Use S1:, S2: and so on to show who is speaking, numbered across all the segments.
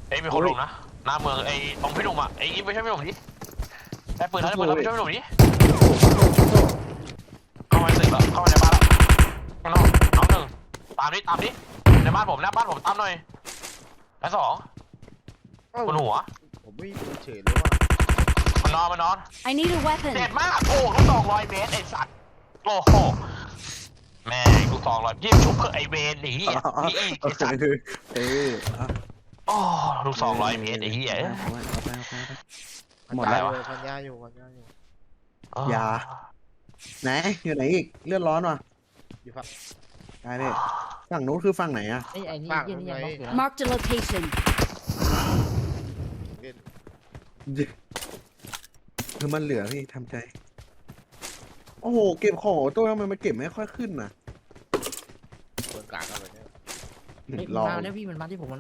S1: เอ้ยมีคนลงนะหน้าเมืองไอ้ตรงพี่หนุ่มอ่ะไอ้อีฟไม่ใช่พี่หนุ่มดิได้ปืนแล้วได้ปืนแล้วไม่ใช่พี่หนุ่มดิเข้ามาในตึกแล้วเข้ามาในบ้านแล้วข้างนอกน้องหนึ่งตามนี้ในบ้านผมหน้าบ้านผมตามหน่อยแล้วสองบนหัว
S2: ผมไม่เฉยเลยว่า
S1: มันนอน
S3: I need a weapon
S1: เจ็บมากโอ้ลูก200 เมตรไอ้สัตว์โอ้โหแม่ลูก200ยิ่งชุบเพื่อไอเวนนี่นี่อีกไอ้สัตว์โอ้ลูก200 เมตรไอ้เหี้ย
S2: หมดแล้วพันยาอยู่
S4: ยาไหนอยู่ไหนอีกเลือดร้อนว่ะ
S2: อยู่ฝั่ง
S4: ได้เลยฝั่งนู้นคือฝั่งไหนอะ
S5: ไอ้นี่ยังบล็อกอยู่นะ
S3: Marked a location
S4: คือมันเหลือพี่ทำใจโอ้โหเก็บของตัวทำไมมันเก็บไม่ค่อยขึ้นน่ะ
S2: เปิดกลางอะไรเนี่ย
S5: มันมาแล้วพี่มันมาที่ผม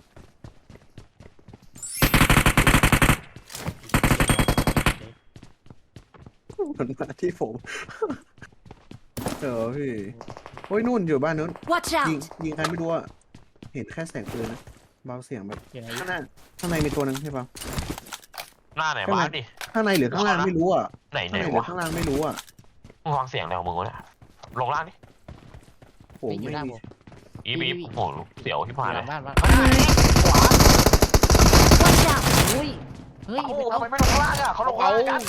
S4: มันมาที่ผมพี่โอ้ยนู่นอยู่บ้านนู้น
S3: Watch
S4: ยิง
S3: out
S4: ใครไม่รู้อะเห็นแค่แสงปืนนะเบาเสียงแบบข้างในมีตัวนึงใช่ป่ะ
S1: หน้าไหนบ้านดิ
S4: ข้างในหรือข้างล่างไม่รู้อะ
S1: ไหน
S4: วะข้างล่างไม่รู้อะ
S1: มึงฟังเสียงแล้วมึงวะเนี่ยลงล่างดิ
S4: ผมไม่มี
S1: อีฟโอ้โหเสียวที่ผ่านเลย
S5: บ้าน
S1: ขวา
S3: Watch out
S5: เฮ้ย
S1: ทำไมไม่ลงล่างอ่ะเขาลงล่างกัน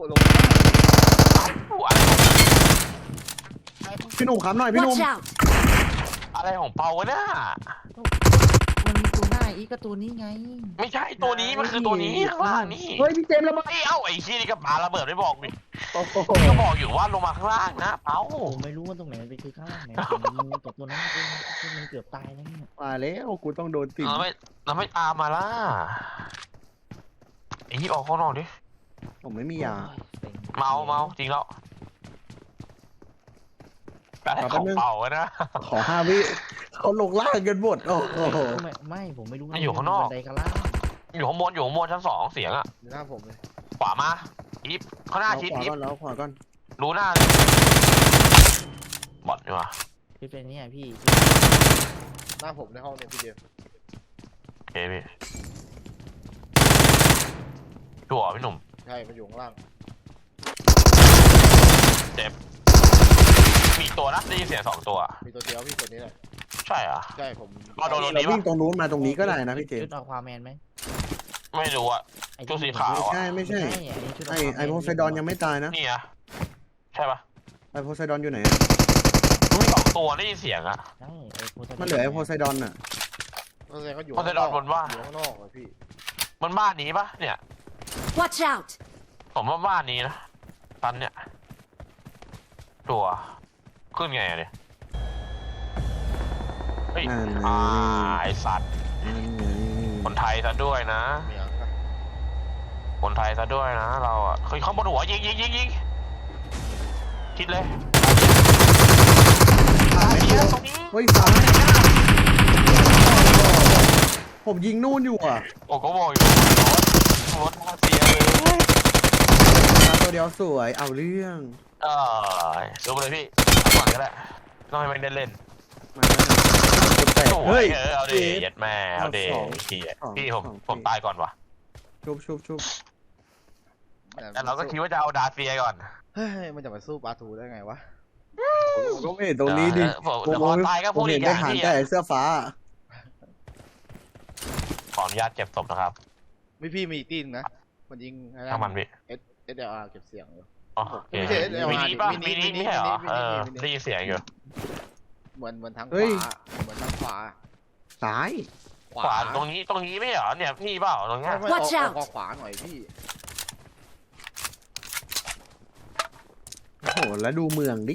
S4: พี่หนุ่มค้ำหน่อยพี่หนุ่ม
S3: Watch out
S1: อะไรของเปาวะเนี่ย
S5: มันมีตัวหน้าอีกก็ตัวนี้ไง
S1: ไม่ใช่ตัวนี้มันคือตัวนี้ข้างล่างนี่
S4: เฮ้ยพี่เจมส์ระเบิด
S1: เอ้าไอ้ชี้นี่ก็ปาระเบิดไม่บอกดิก็บอกอยู่ว่าลงมาข้างล่างนะเอ้า
S5: ผมไม่รู้ว่าตรงไหนมันเป็นคือข้างล่างไหนงูกับตัวนั้นมันเกือบตายแล้วเนี่ย
S4: มาแล้วกูต้องโดนติด
S1: เราไม่ตามมาล่ะไอ้ยี่ออกข้างนอกดิ
S4: ผมไม่มียา
S1: เมาจริงแล้วแต่ของเป่านะ
S4: ขอ5 วิเขาลงล่างกันหมดโอ้โห
S5: ไม่ผมไม่รู้
S1: อยู่ข้างนอก
S5: บันไดข้างล่าง
S1: อยู่ข้างบนชั้น2เสียงอ่ะ
S2: หน้าผมเลย
S1: ขวามาอีฟข้างหน้าชิดอีฟ
S4: แล้วขวาก่อน
S1: รู้หน้าบอดดีกว่า
S5: พี่เป็นเนี่ยพี่
S2: หน้าผมในห้องเนี่ยพี่เดียว
S1: โอเคพี่ชัวร์พี่หนุ่ม
S2: ใช่มาอยู่ข้างล่าง
S1: เจ็บมีตัวนะได้ยินเสียง2 ตัว
S2: มีตัวเดียวพี่ตัวนี้แหละ
S1: ใช่อ่ะ
S2: ใช่ผม
S1: โดนนี้
S4: วิ่งตรงนู้นมาตรงนี้ก็ได้นะพี่เจมส์
S5: ชุดอควาแมนไหม
S1: ไม่รู้อ่ะชุดสีขาว
S4: ไม่ใช่ไอโพไซดอนยังไม่ตายนะ
S1: นี่อ่ะใช่ปะ
S4: ไอโพไซดอนอยู่ไหน
S1: มี2 ตัวได้ยินเสียงอ่ะ
S4: มันเหลือไอโพไซดอนอ่ะ
S1: โพไซดอนบนบ้าน
S2: อยู่ข้างนอกเลยพี่
S1: บนบ้านนี้ปะเนี่ย
S3: Watch out
S1: ผมว่าบ้านนี้นะตันเนี่ยตัวขึ้นไงเนี่ยเฮ้ยไอสัตว์คนไทยซะด้วยนะคนไทยซะด้วยนะเราอ่ะเคยเข้าบนหัวยิงคิดเลย
S4: เฮ้ยซ้ายผมยิงนู่นอยู่อ่ะ
S1: โอ้ก็บอกอยู่รถเสียเลย
S4: ตัวเดียวสวยเอาเรื่อง
S1: ดูไปเลยพี่ก่อนก็ได้ต้องให้มันเล่น
S4: เฮ้ย
S1: เอาดิยัดแม่เอาดิพี่ผมตายก่อนวะ
S4: ชุบ
S1: แต่เราก็คิดว่าจะเอาดาเซียก่อน
S2: เฮ้ยมันจะมาสู้ปาทูได้ไงวะ
S4: ก็ไม่เห็นตรงนี้ดิ
S1: พอตายก็พูดอีกอย่างที่
S4: แต่เสื้อฟ้า
S1: ขออนุญาตเก็บศพนะครับ
S2: ไม่พี่มีตีนนะมันยิง
S1: ทางมันพี่
S2: SLR เก็บเสียงเลย
S1: ไม่ใช่มินิป่ะมินิไม่ใช่เหรอได้ยินเสียงอยู่
S2: เหมือนทางขวา
S4: ซ้าย
S1: ขวาตรงนี้ไม่เหรอเนี่ยพี่เปล่าตรงนี้
S3: Watch out
S2: ขวาหน่อยพี่
S4: โอ้โหแล้วดูเมืองดิ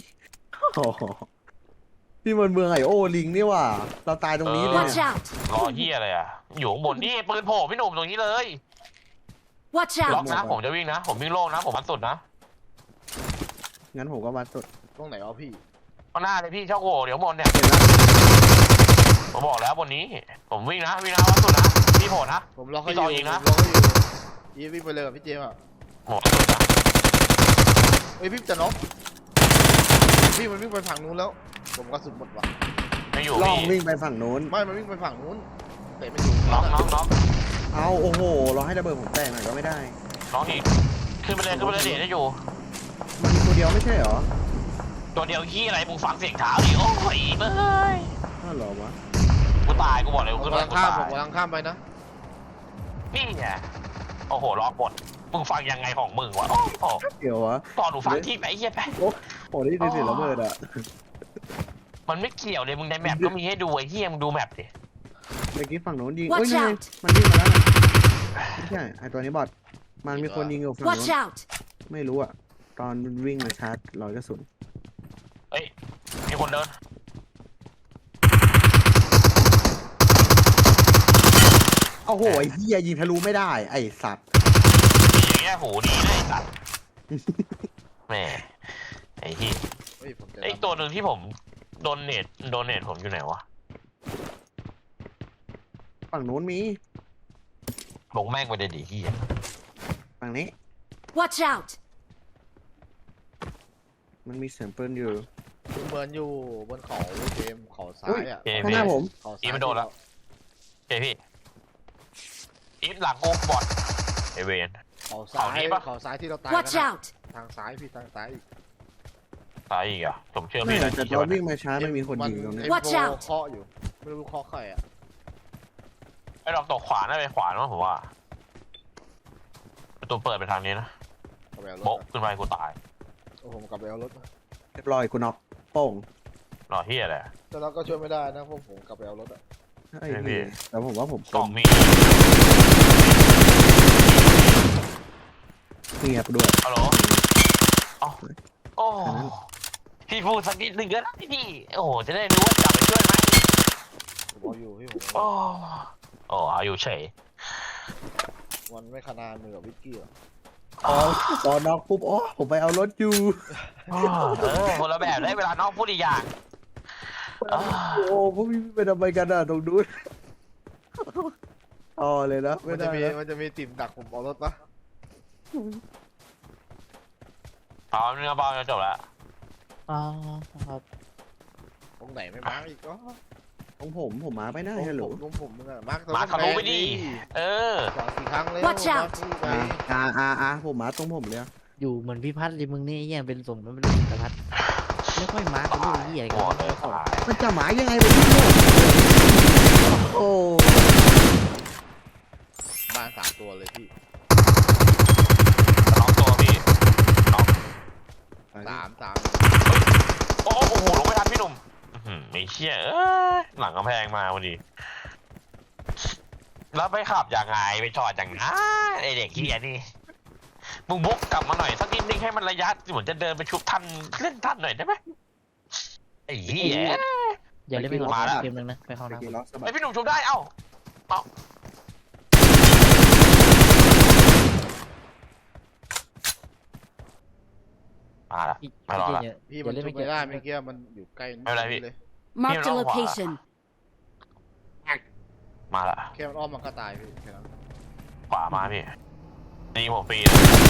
S4: พี่มันเมืองไอโอลิงนี่ว่ะเราตายตรงนี้เลย
S1: รอเหี้ยอะไรอ่ะอยู่ข้างบนนี่ปืนโผล่พี่หนุ่มตรงนี้เลย
S3: Watch
S1: ล็อก
S3: out
S1: นะผมจะวิ่งนะผมวิ่งโล่งนะผมวัดสุดนะ
S4: งั้นผมก็วัดสุด
S2: ตรงไหนอ๋อพี่
S1: ข้างหน้าเลยพี่ช่องโหว่เดี๋ยวบนเนี่ยผมบอกแล้วบนนี้ผมวิ่งนะวัดสุดนะพี่โผล่นะ
S2: ผมล็อกให้
S1: ยิงนะ
S2: ยิงวิ่งไปเลยพี่เจมส์อ่ะ
S1: โหดสุดนะ
S2: เฮ้ยพี่จะน็อกพี่มันวิ่งไปฝั่งนู้นแล้วผมก็สุดหมดว่ะ
S1: ไม่อยู่
S4: ลองวิ่งไปฝั่งนู้น
S2: ไม่มันวิ่งไปฝั่งนู้นแตะไม่ถูก
S1: น็อก
S4: เอาโอ้โหเราให้ระเบิดผมแตกหน่อยก็ไม่ได้
S1: น็อกอีกขึ้นไปเลยเดทได้อยู่
S4: มันมีตัวเดียวไม่ใช่เหรอ
S1: ตัวเดียวขี้อะไรมึงฟังเสียงเท้าดิโอ้ยเบ้ย
S4: อ้าวเหรอวะ
S1: กูตายกูบอกเลย
S2: ผม
S1: กู
S2: กำลัง
S1: กู
S2: ข้าม
S1: ตา
S2: ผม
S1: ย
S2: กำลังข้ามไปนะ
S1: นี่ไงโอ้โหล็อกหมดมึงฟังยังไงของมึงวะโอ้โห
S4: เดี๋ยววะ
S1: ตอนหนูฟังที่ไหนเฮียไป
S4: โอ้ได้ยินเสียงระเบิดอ่ะ
S1: มันไม่เกี่ยวเลยมึงในแมปก็มีให้ดูไอ้เฮียมึงดูแมปดิ
S4: เมื่อกี้ฝั่งโน้นยิง
S3: Watch
S4: เอ้ยนี่ไง
S3: out
S4: มันยิงมาแล้วนะไม่ใช่ไอตัวนี้บอทมันมีคนยิงอยู่ฝั่ง
S3: Watch
S4: โน้น
S3: out!
S4: ไม่รู้อ่ะตอนมันวิ่งมาชาร์จรอยกระสุน
S1: เฮ้ยมีคนเดิน
S4: โอ้โหไอ้เหี้ยยิงทะลุไม่ได้ไอ้สัตว์
S1: อย่างเงี้ยโหดีเลยไอ้สัตว์แหม่ไอ้เฮีย
S2: เฮ้ยผมจะ
S1: ไอ้ตัวหนึ่งที่ผมโดนเนตผมอยู่ไหนวะ
S4: ฝั่งโน้นมี
S1: ลงแม่งไปเลยดิเฮีย
S4: ฝั่งนี้
S3: Watch out!
S4: มันมีเสียงปืนอยู่
S2: เหมือนอยู่บนเขาเกมเขาซ้ายอ่ะ
S4: ข้างหน้าผม
S2: เขาซ้าย
S1: อีมันโดนแล้วเฮ้ยพี่อีฟหลังกูบอดไอเวน
S2: เขาซ้าย
S1: เขานี้ปะ
S2: เขาซ้ายที่เราตาย
S3: Watch
S2: กันอะ
S3: out!
S2: ทางซ้ายพี่ทางซ้ายอีก
S1: ตายอีกอ่ะผมเชื่อ
S4: ไม่
S1: พี่ได้
S4: แต่
S1: ใช่
S4: ตอน
S1: ไหม
S4: วิ่งมาช้าไม่มีคนยิงตรงนี้
S3: Watch
S2: เอ็ม
S3: out
S2: โฟเคาะอยู่ไม่รู้เคาะใครอ่ะ
S1: ไอ้ดอกตกขวาน่าไปขวามั้งผมว่าประตูเปิดไปทางนี้นะ
S2: กลับไปเอารถ
S1: โบ๊ะขึ้นไปกูตาย
S2: โอ้ผมกลับไปเอารถมา
S4: เรียบร้อยกูน็อกโป้ง
S1: รอเฮียอะไร
S2: แต่เราก็ช่วยไม่ได้นะเพราะผมกลับไปเอารถอ่ะ
S4: ไอ้นี่แต่ผมว่าผม
S1: กล่องมี
S4: เงียบด้วย
S1: ฮัลโหลอ๋อโอ้พี่พูดสักนิดหนึ่งก็ได้พี่โอ้โหจะได้รู้ว่าจะไปช่วยไหม
S2: ผมเอาอยู่พี่ผม
S1: โอ้เอาอยู่เฉย
S2: มันไม่ขนาดมือกับวิกกี้หรอก
S4: อ๋อพอน็อกปุ๊บอ๋อผมไปเอารถอยู่
S1: คนละแบบได้เวลาน้องพูดอีกอย่าง
S4: โอ้พวกพี่ไปทำไมกันอ่ะตรงนู้นอ๋อเลยนะไม่
S2: มัน
S4: ได้
S2: จะมี
S4: นะ
S2: มันจะมีติ่มดักผมเอารถปะ
S1: เอาเนื้อเบาจะจบแล้ว
S5: อ๋อครับ
S2: ตรงไหนไม่มาร์กอีกก็
S4: ของผมมาไม่ได้ฮัลโหล
S2: ผมมึงอะมาร์ก
S1: มาทะลุไปดิเออ
S2: สองสี่ครั้งเลย
S3: Watch out
S4: ผมมาตรงผมเลยอะ
S5: อยู่เหมือนพี่พัดเลยมึงนี่ไอ้เหี้ยเป็นสมมันเป็นสพัดไม่ค่อยมาร์กเป็นเรื่องเหี้ย
S1: หมดเลยตาย
S4: มันจะหมายยังไงวะพี่โอ้
S2: บ้าน3 ตัวเลยพี่
S1: น้องตัวพี่น้อง
S2: 3
S1: โอ้โหลงไม่ทันพี่หนุ่มไม่เชี่ยหลังกำแพงมาพอดีแล้วไปขับยังไงไปจอดอย่างไงไอเด็กเฮียนี่มึงบุกกลับมาหน่อยสักนิดนึงให้มันระยะเหมือนจะเดินไปชุบทันเล่นทันหน่อยได้ไหมไอ้เหี้ย
S5: อย่าเล่นไปก่อน
S1: มาแล้ว
S5: เกมนึงนะไปเข้า
S4: ไป
S5: น้ำ
S4: กิน
S5: ก่อน
S4: ล็อกสะบั
S1: ไอ
S4: ด
S1: พี่หนุ่มชุบได้เอ้ามาละ
S5: พี่
S1: ไม่รอละ
S5: เหี้ย
S2: พี่
S5: อ
S2: มั
S5: ย่าน เล่น
S2: ชุ
S5: ไม่
S2: บ
S5: เก็บ
S2: ไม่ได้เมื่อกี้มันอยู่ใกล้
S1: ไม่เป็นไรพี่
S2: เลย
S3: Marked a
S1: Hero
S3: location.
S1: มาละ
S2: แค่มันอ้อมมันก็ตายพี่แค่นั้น
S1: ขวามาพี่นี่ผมฟรี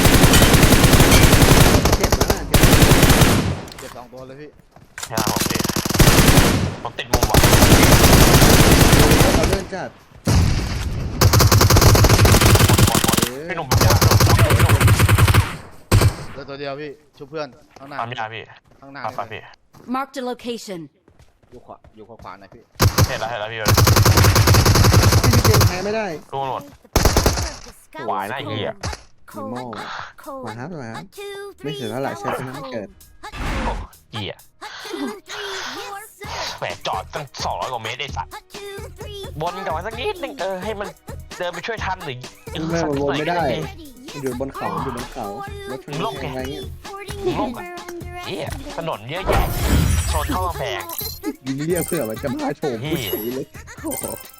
S4: เจ็บแล้วนะเจ็บ
S2: เจ็บ2 ตัวเลยพี่
S1: ใช่ผมฟรีผมติดมุมว่ะ
S4: เราเลื่อนจัด
S1: พี่หนุ่มพี่หนุ่มพี่หนุ่ม
S2: เหลือตัวเดียวพี่ชุบเพื่อนข้างหน้า
S1: ตามพี่อาพี่
S2: ข้างหน้า
S1: ตามพี่
S3: Marked a location.
S2: อยู่ขวาหน่อยพี่
S1: เห็นแล้วพี่
S4: ไม่มีเกมแพ้ไม่ได้
S1: รู้หมด หวายนะไอ้เหี้ย
S4: มีโม่มาครับมาครับไม่เสียเท่าไหร่ใช้ชนะไม่เกิด
S1: เหี้ยแหมจอดตั้ง200 กว่าเมตรไอ้สัตว์บนกลับมาสักนิดนึงให้มันเดินไปช่วยทันหรือ
S4: ไม่มันวนไม่ได้มันอยู่บนเขาอยู่บนเขารถชนแข่งอะไรเงี้ย
S1: โลกอ่ะเหี้ยถนนเยอะแยะชนเข้ากำแพง
S4: ยิงเรียกเพื่อมันจะมาโฉมผู้
S1: เหี้ย
S4: ชายเลยโอ้โห